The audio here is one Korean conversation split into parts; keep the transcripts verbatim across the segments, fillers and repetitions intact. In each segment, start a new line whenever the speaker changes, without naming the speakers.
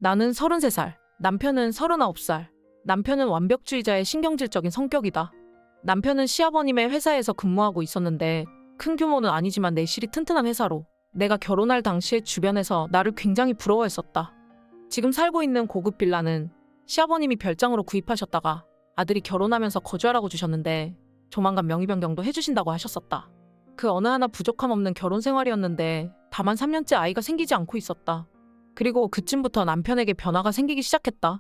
나는 서른세 살, 남편은 서른아홉 살. 남편은 완벽주의자의 신경질적인 성격이다. 남편은 시아버님의 회사에서 근무하고 있었는데 큰 규모는 아니지만 내실이 튼튼한 회사로 내가 결혼할 당시에 주변에서 나를 굉장히 부러워했었다. 지금 살고 있는 고급 빌라는 시아버님이 별장으로 구입하셨다가 아들이 결혼하면서 거주하라고 주셨는데 조만간 명의 변경도 해주신다고 하셨었다. 그 어느 하나 부족함 없는 결혼 생활이었는데 다만 삼 년째 아이가 생기지 않고 있었다. 그리고 그쯤부터 남편에게 변화가 생기기 시작했다.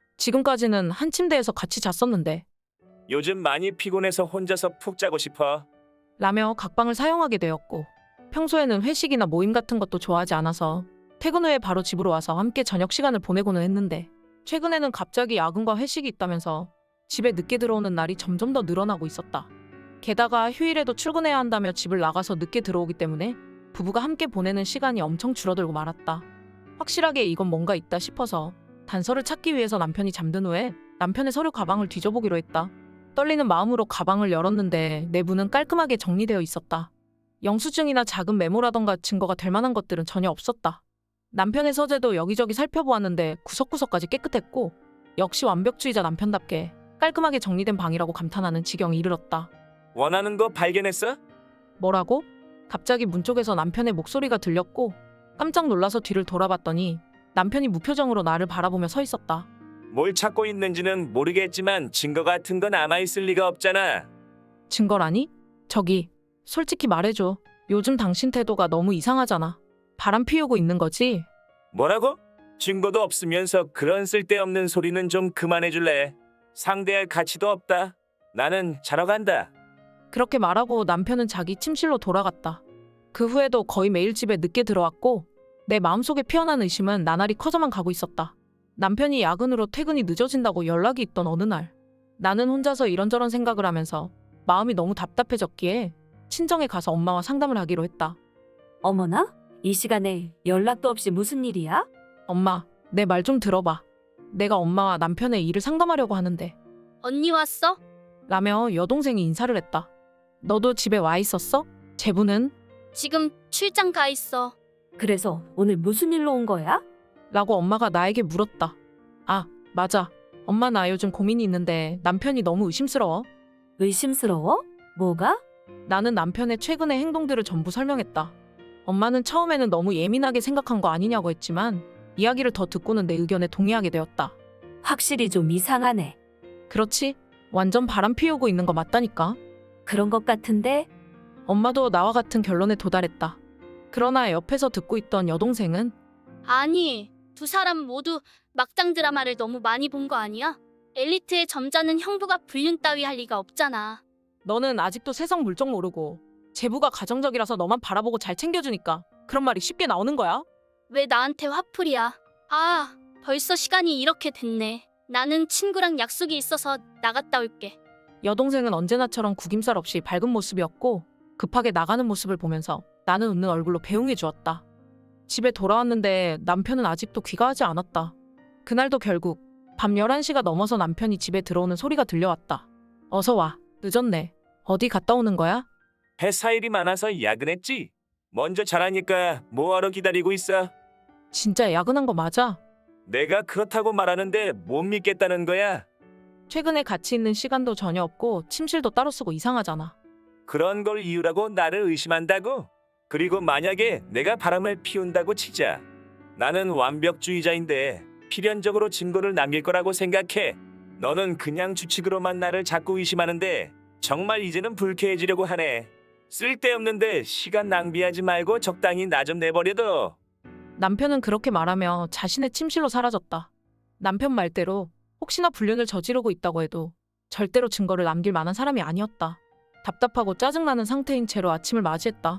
지금까지는 한 침대에서 같이 잤었는데
요즘 많이 피곤해서 혼자서 푹 자고 싶어.
라며 각방을 사용하게 되었고 평소에는 회식이나 모임 같은 것도 좋아하지 않아서 퇴근 후에 바로 집으로 와서 함께 저녁 시간을 보내고는 했는데 최근에는 갑자기 야근과 회식이 있다면서 집에 늦게 들어오는 날이 점점 더 늘어나고 있었다. 게다가 휴일에도 출근해야 한다며 집을 나가서 늦게 들어오기 때문에 부부가 함께 보내는 시간이 엄청 줄어들고 말았다. 확실하게 이건 뭔가 있다 싶어서 단서를 찾기 위해서 남편이 잠든 후에 남편의 서류 가방을 뒤져보기로 했다. 떨리는 마음으로 가방을 열었는데 내부는 깔끔하게 정리되어 있었다. 영수증이나 작은 메모라던가 증거가 될 만한 것들은 전혀 없었다. 남편의 서재도 여기저기 살펴보았는데 구석구석까지 깨끗했고 역시 완벽주의자 남편답게 깔끔하게 정리된 방이라고 감탄하는 지경에 이르렀다.
원하는 거 발견했어?
뭐라고? 갑자기 문 쪽에서 남편의 목소리가 들렸고 깜짝 놀라서 뒤를 돌아봤더니 남편이 무표정으로 나를 바라보며 서 있었다.
뭘 찾고 있는지는 모르겠지만 증거 같은 건 남아있을 리가 없잖아.
증거라니? 저기, 솔직히 말해줘. 요즘 당신 태도가 너무 이상하잖아. 바람 피우고 있는 거지?
뭐라고? 증거도 없으면서 그런 쓸데없는 소리는 좀 그만해줄래? 상대할 가치도 없다. 나는 자러 간다.
그렇게 말하고 남편은 자기 침실로 돌아갔다. 그 후에도 거의 매일 집에 늦게 들어왔고 내 마음속에 피어난 의심은 나날이 커져만 가고 있었다. 남편이 야근으로 퇴근이 늦어진다고 연락이 있던 어느 날 나는 혼자서 이런저런 생각을 하면서 마음이 너무 답답해졌기에 친정에 가서 엄마와 상담을 하기로 했다.
어머나? 이 시간에 연락도 없이 무슨 일이야?
엄마, 내 말 좀 들어봐. 내가 엄마와 남편의 일을 상담하려고 하는데
언니 왔어?
라며 여동생이 인사를 했다. 너도 집에 와 있었어? 제부는?
지금 출장 가 있어.
그래서 오늘 무슨 일로 온 거야?
라고 엄마가 나에게 물었다. 아, 맞아. 엄마 나 요즘 고민이 있는데 남편이 너무 의심스러워.
의심스러워? 뭐가?
나는 남편의 최근의 행동들을 전부 설명했다. 엄마는 처음에는 너무 예민하게 생각한 거 아니냐고 했지만 이야기를 더 듣고는 내 의견에 동의하게 되었다.
확실히 좀 이상하네.
그렇지? 완전 바람 피우고 있는 거 맞다니까.
그런 것 같은데?
엄마도 나와 같은 결론에 도달했다. 그러나 옆에서 듣고 있던 여동생은
아니, 두 사람 모두 막장 드라마를 너무 많이 본 거 아니야? 엘리트의 점자는 형부가 불륜 따위 할 리가 없잖아.
너는 아직도 세상 물정 모르고 제부가 가정적이라서 너만 바라보고 잘 챙겨주니까 그런 말이 쉽게 나오는 거야?
왜 나한테 화풀이야? 아, 벌써 시간이 이렇게 됐네. 나는 친구랑 약속이 있어서 나갔다 올게.
여동생은 언제나처럼 구김살 없이 밝은 모습이었고 급하게 나가는 모습을 보면서 나는 웃는 얼굴로 배웅해 주었다. 집에 돌아왔는데 남편은 아직도 귀가하지 않았다. 그날도 결국 밤 열한 시가 넘어서 남편이 집에 들어오는 소리가 들려왔다. 어서 와. 늦었네. 어디 갔다 오는 거야?
회사 일이 많아서 야근했지? 먼저 자라니까 뭐하러 기다리고 있어?
진짜 야근한 거 맞아?
내가 그렇다고 말하는데 못 믿겠다는 거야?
최근에 같이 있는 시간도 전혀 없고 침실도 따로 쓰고 이상하잖아.
그런 걸 이유라고 나를 의심한다고? 그리고 만약에 내가 바람을 피운다고 치자. 나는 완벽주의자인데 필연적으로 증거를 남길 거라고 생각해. 너는 그냥 추측으로만 나를 자꾸 의심하는데 정말 이제는 불쾌해지려고 하네. 쓸데없는데 시간 낭비하지 말고 적당히 나 좀 내버려둬.
남편은 그렇게 말하며 자신의 침실로 사라졌다. 남편 말대로 혹시나 불륜을 저지르고 있다고 해도 절대로 증거를 남길 만한 사람이 아니었다. 답답하고 짜증나는 상태인 채로 아침을 맞이했다.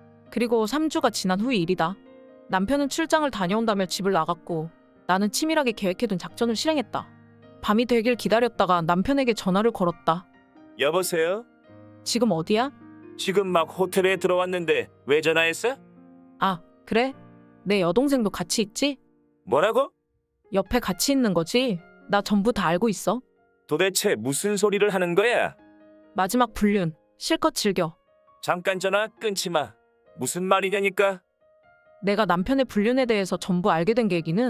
그리고 삼 주가 지난 후의 일이다. 남편은 출장을 다녀온다며 집을 나갔고 나는 치밀하게 계획해둔 작전을 실행했다. 밤이 되길 기다렸다가 남편에게 전화를 걸었다.
여보세요?
지금 어디야?
지금 막 호텔에 들어왔는데 왜 전화했어?
아, 그래? 내 여동생도 같이 있지?
뭐라고?
옆에 같이 있는 거지? 나 전부 다 알고 있어.
도대체 무슨 소리를 하는 거야?
마지막 불륜, 실컷 즐겨.
잠깐 전화 끊지 마. 무슨 말이냐니까?
내가 남편의 불륜에 대해서 전부 알게 된 계기는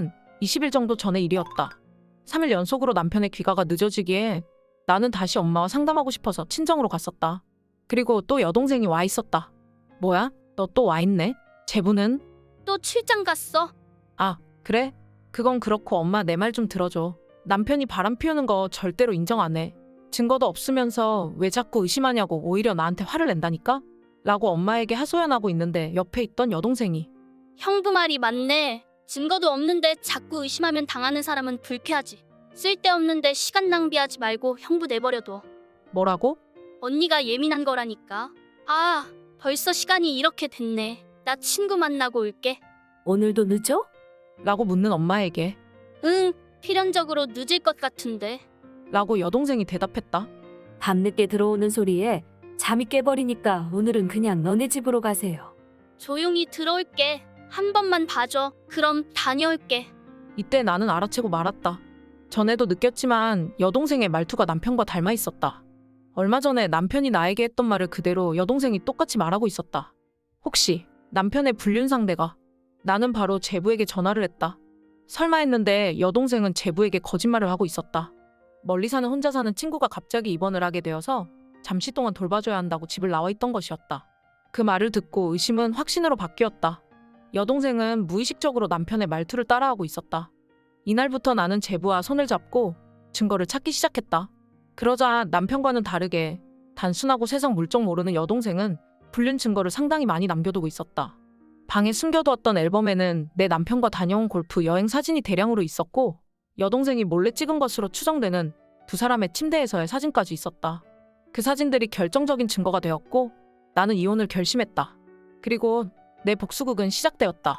이십 일 정도 전의 일이었다. 삼 일 연속으로 남편의 귀가가 늦어지기에 나는 다시 엄마와 상담하고 싶어서 친정으로 갔었다. 그리고 또 여동생이 와 있었다. 뭐야? 너 또 와 있네? 제부는?
또 출장 갔어.
아, 그래? 그건 그렇고 엄마 내 말 좀 들어줘. 남편이 바람 피우는 거 절대로 인정 안 해. 증거도 없으면서 왜 자꾸 의심하냐고 오히려 나한테 화를 낸다니까? 라고 엄마에게 하소연하고 있는데 옆에 있던 여동생이
형부 말이 맞네. 증거도 없는데 자꾸 의심하면 당하는 사람은 불쾌하지. 쓸데없는데 시간 낭비하지 말고 형부 내버려둬.
뭐라고?
언니가 예민한 거라니까. 아, 벌써 시간이 이렇게 됐네. 나 친구 만나고 올게.
오늘도 늦어?
라고 묻는 엄마에게
응, 필연적으로 늦을 것 같은데.
라고 여동생이 대답했다.
밤늦게 들어오는 소리에 잠이 깨버리니까 오늘은 그냥 너네 집으로 가세요.
조용히 들어올게. 한 번만 봐줘. 그럼 다녀올게.
이때 나는 알아채고 말았다. 전에도 느꼈지만 여동생의 말투가 남편과 닮아 있었다. 얼마 전에 남편이 나에게 했던 말을 그대로 여동생이 똑같이 말하고 있었다. 혹시 남편의 불륜 상대가? 나는 바로 제부에게 전화를 했다. 설마 했는데 여동생은 제부에게 거짓말을 하고 있었다. 멀리 사는 혼자 사는 친구가 갑자기 입원을 하게 되어서 잠시 동안 돌봐줘야 한다고 집을 나와 있던 것이었다. 그 말을 듣고 의심은 확신으로 바뀌었다. 여동생은 무의식적으로 남편의 말투를 따라하고 있었다. 이날부터 나는 제부와 손을 잡고 증거를 찾기 시작했다. 그러자 남편과는 다르게 단순하고 세상 물정 모르는 여동생은 불륜 증거를 상당히 많이 남겨두고 있었다. 방에 숨겨두었던 앨범에는 내 남편과 다녀온 골프 여행 사진이 대량으로 있었고 여동생이 몰래 찍은 것으로 추정되는 두 사람의 침대에서의 사진까지 있었다. 그 사진들이 결정적인 증거가 되었고 나는 이혼을 결심했다. 그리고 내 복수극은 시작되었다.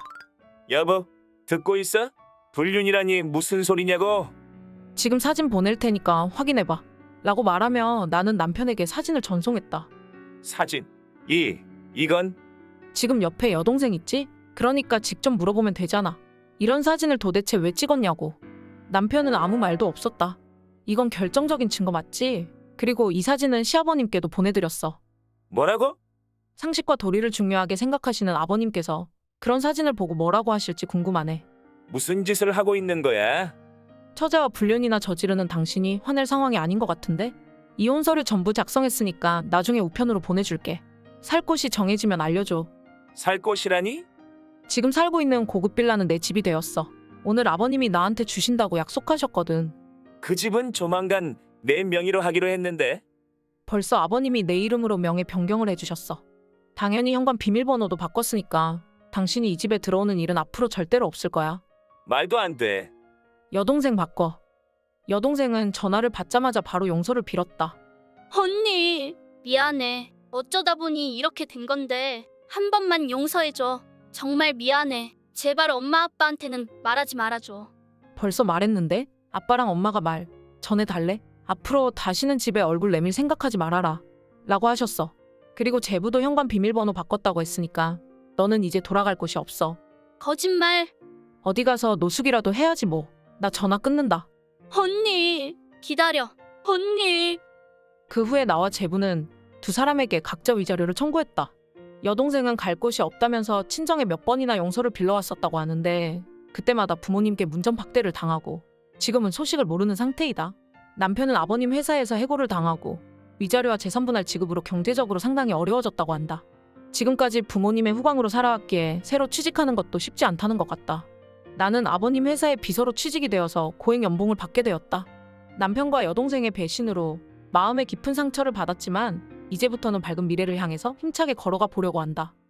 여보, 듣고 있어? 불륜이라니 무슨 소리냐고?
지금 사진 보낼 테니까 확인해봐. 라고 말하며 나는 남편에게 사진을 전송했다.
사진. 이, 이건?
지금 옆에 여동생 있지? 그러니까 직접 물어보면 되잖아. 이런 사진을 도대체 왜 찍었냐고. 남편은 아무 말도 없었다. 이건 결정적인 증거 맞지? 그리고 이 사진은 시아버님께도 보내드렸어.
뭐라고?
상식과 도리를 중요하게 생각하시는 아버님께서 그런 사진을 보고 뭐라고 하실지 궁금하네.
무슨 짓을 하고 있는 거야?
처제와 불륜이나 저지르는 당신이 화낼 상황이 아닌 것 같은데? 이혼 서류 전부 작성했으니까 나중에 우편으로 보내줄게. 살 곳이 정해지면 알려줘.
살 곳이라니?
지금 살고 있는 고급 빌라는 내 집이 되었어. 오늘 아버님이 나한테 주신다고 약속하셨거든.
그 집은 조만간 내 명의로 하기로 했는데.
벌써 아버님이 내 이름으로 명예 변경을 해주셨어. 당연히 현관 비밀번호도 바꿨으니까 당신이 이 집에 들어오는 일은 앞으로 절대로 없을 거야.
말도 안 돼.
여동생 바꿔. 여동생은 전화를 받자마자 바로 용서를 빌었다.
언니, 미안해. 어쩌다 보니 이렇게 된 건데 한 번만 용서해줘. 정말 미안해. 제발 엄마 아빠한테는 말하지 말아줘.
벌써 말했는데? 아빠랑 엄마가 말 전해달래? 앞으로 다시는 집에 얼굴 내밀 생각하지 말아라. 라고 하셨어. 그리고 제부도 현관 비밀번호 바꿨다고 했으니까 너는 이제 돌아갈 곳이 없어.
거짓말.
어디 가서 노숙이라도 해야지 뭐. 나 전화 끊는다.
언니, 기다려. 언니.
그 후에 나와 제부는 두 사람에게 각자 위자료를 청구했다. 여동생은 갈 곳이 없다면서 친정에 몇 번이나 용서를 빌러왔었다고 하는데 그때마다 부모님께 문전박대를 당하고 지금은 소식을 모르는 상태이다. 남편은 아버님 회사에서 해고를 당하고 위자료와 재산분할 지급으로 경제적으로 상당히 어려워졌다고 한다. 지금까지 부모님의 후광으로 살아왔기에 새로 취직하는 것도 쉽지 않다는 것 같다. 나는 아버님 회사의 비서로 취직이 되어서 고액 연봉을 받게 되었다. 남편과 여동생의 배신으로 마음의 깊은 상처를 받았지만 이제부터는 밝은 미래를 향해서 힘차게 걸어가 보려고 한다.